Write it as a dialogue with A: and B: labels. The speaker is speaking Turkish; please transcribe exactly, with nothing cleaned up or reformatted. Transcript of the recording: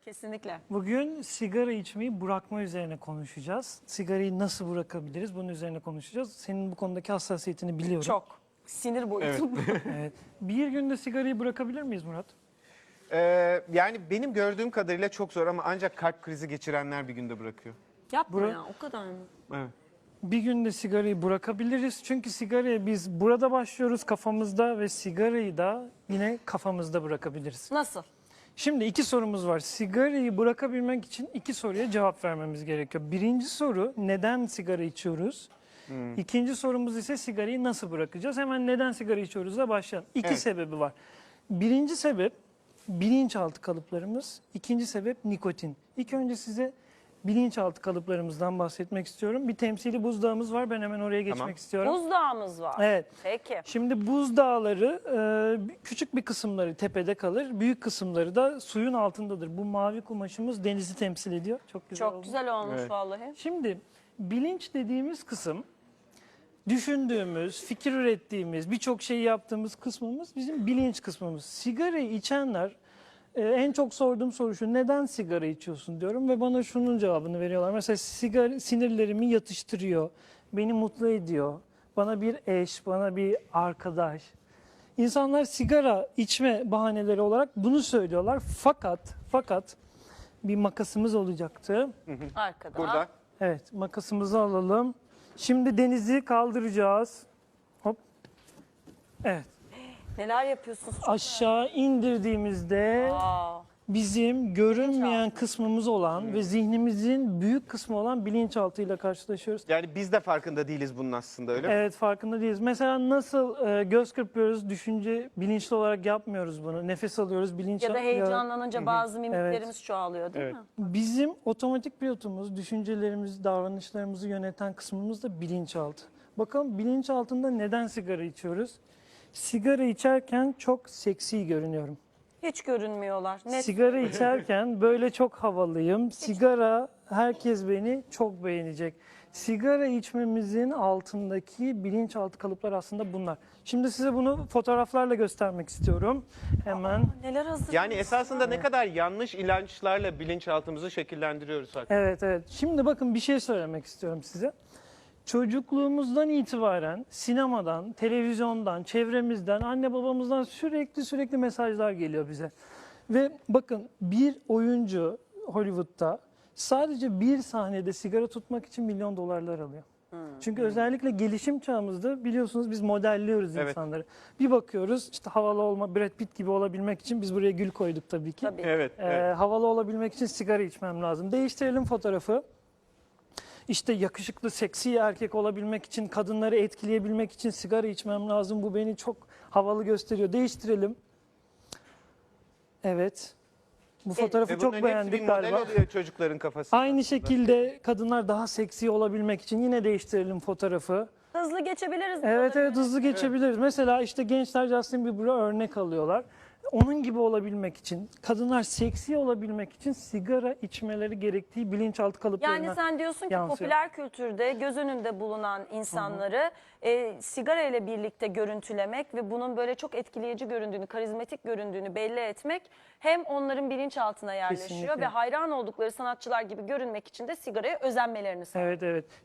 A: Kesinlikle.
B: Bugün sigara içmeyi bırakma üzerine konuşacağız. Sigarayı nasıl bırakabiliriz? Bunun üzerine konuşacağız. Senin bu konudaki hassasiyetini biliyorum.
A: Çok. Sinir boyutu.
B: Evet. Bir günde sigarayı bırakabilir miyiz Murat?
C: Ee, yani benim gördüğüm kadarıyla çok zor ama ancak kalp krizi geçirenler bir günde bırakıyor.
A: Yapma
B: Bura-
A: ya, o kadar mı?
C: Evet.
B: Bir günde sigarayı bırakabiliriz. Çünkü sigaraya biz burada başlıyoruz kafamızda ve sigarayı da yine kafamızda bırakabiliriz.
A: Nasıl?
B: Şimdi iki sorumuz var. Sigarayı bırakabilmek için iki soruya cevap vermemiz gerekiyor. Birinci soru, neden sigara içiyoruz? İkinci sorumuz ise sigarayı nasıl bırakacağız? Hemen neden sigara içiyoruzla başlayalım. İki
C: Evet.
B: sebebi var. Birinci sebep bilinçaltı kalıplarımız. İkinci sebep nikotin. İlk önce size bilinçaltı kalıplarımızdan bahsetmek istiyorum. Bir temsili buzdağımız var. Ben hemen oraya geçmek
C: Tamam.
B: istiyorum.
A: Buzdağımız var.
B: Evet.
A: Peki.
B: Şimdi buzdağları e, küçük bir kısımları tepede kalır, büyük kısımları da suyun altındadır. Bu mavi kumaşımız denizi temsil ediyor. Çok güzel
A: Çok
B: oldu.
A: güzel olmuş
C: Evet.
A: vallahi.
B: Şimdi bilinç dediğimiz kısım, düşündüğümüz, fikir ürettiğimiz, birçok şeyi yaptığımız kısmımız bizim bilinç kısmımız. Sigarayı içenler, e, en çok sorduğum soru şu: neden sigara içiyorsun diyorum ve bana şunun cevabını veriyorlar. Mesela sigara sinirlerimi yatıştırıyor, beni mutlu ediyor, bana bir eş, bana bir arkadaş. İnsanlar sigara içme bahaneleri olarak bunu söylüyorlar. Fakat fakat bir makasımız olacaktı.
A: Arkada.
C: Burada.
B: Evet, makasımızı alalım. Şimdi denizi kaldıracağız. Hop. Evet.
A: Neler yapıyorsunuz?
B: Aşağı indirdiğimizde
A: Aa,
B: bizim görünmeyen kısmımız olan ve zihnimizin büyük kısmı olan bilinçaltıyla karşılaşıyoruz.
C: Yani biz de farkında değiliz bunun aslında, öyle mi?
B: Evet, farkında değiliz. Mesela nasıl e, göz kırpıyoruz, düşünce bilinçli olarak yapmıyoruz bunu. Nefes alıyoruz, bilinç
A: ya da heyecanlanınca bazı mimiklerimiz
B: Evet.
A: çoğalıyor değil
C: Evet.
A: mi?
B: Bizim otomatik pilotumuz, düşüncelerimizi, davranışlarımızı yöneten kısmımız da bilinçaltı. Bakalım bilinçaltında neden sigara içiyoruz? Sigara içerken çok seksi görünüyorum.
A: Hiç görünmüyorlar. Net.
B: Sigara içerken böyle çok havalıyım. Sigara, herkes beni çok beğenecek. Sigara içmemizin altındaki bilinçaltı kalıplar aslında bunlar. Şimdi size bunu fotoğraflarla göstermek istiyorum. Hemen.
A: Neler hazır?
C: Yani esasında ne kadar yanlış inançlarla bilinçaltımızı şekillendiriyoruz hakikaten.
B: Evet, evet. Şimdi bakın, bir şey söylemek istiyorum size. Çocukluğumuzdan itibaren sinemadan, televizyondan, çevremizden, anne babamızdan sürekli sürekli mesajlar geliyor bize. Ve bakın, bir oyuncu Hollywood'da sadece bir sahnede sigara tutmak için milyon dolarlar alıyor. Çünkü özellikle gelişim çağımızda biliyorsunuz biz modelliyoruz
C: Evet.
B: insanları. Bir bakıyoruz, işte havalı olma, Brad Pitt gibi olabilmek için biz buraya gül koyduk tabii ki.
A: Tabii.
C: Evet,
B: Ee,
C: evet.
B: Havalı olabilmek için sigara içmem lazım. Değiştirelim fotoğrafı. İşte yakışıklı, seksi erkek olabilmek için, kadınları etkileyebilmek için sigara içmem lazım. Bu beni çok havalı gösteriyor. Değiştirelim. Evet. Bu fotoğrafı
C: Ve
B: çok
C: bunların hepsi bir
B: beğendik
C: model
B: galiba.
C: oluyor çocukların kafasında.
B: Aynı şekilde kadınlar daha seksi olabilmek için yine değiştirelim fotoğrafı.
A: Hızlı geçebiliriz.
B: Evet,
A: buraları.
B: evet, hızlı geçebiliriz. Mesela işte gençler Justin Bieber'a örnek alıyorlar. Onun gibi olabilmek için, kadınlar seksi olabilmek için sigara içmeleri gerektiği bilinçaltı kalıplarına
A: Yani sen diyorsun ki
B: yansıyor.
A: popüler kültürde göz önünde bulunan insanları e, sigara ile birlikte görüntülemek ve bunun böyle çok etkileyici göründüğünü, karizmatik göründüğünü belli etmek hem onların bilinçaltına yerleşiyor
B: Kesinlikle.
A: ve hayran oldukları sanatçılar gibi görünmek için de sigaraya özenmelerini sağlıyor.
B: Evet, evet.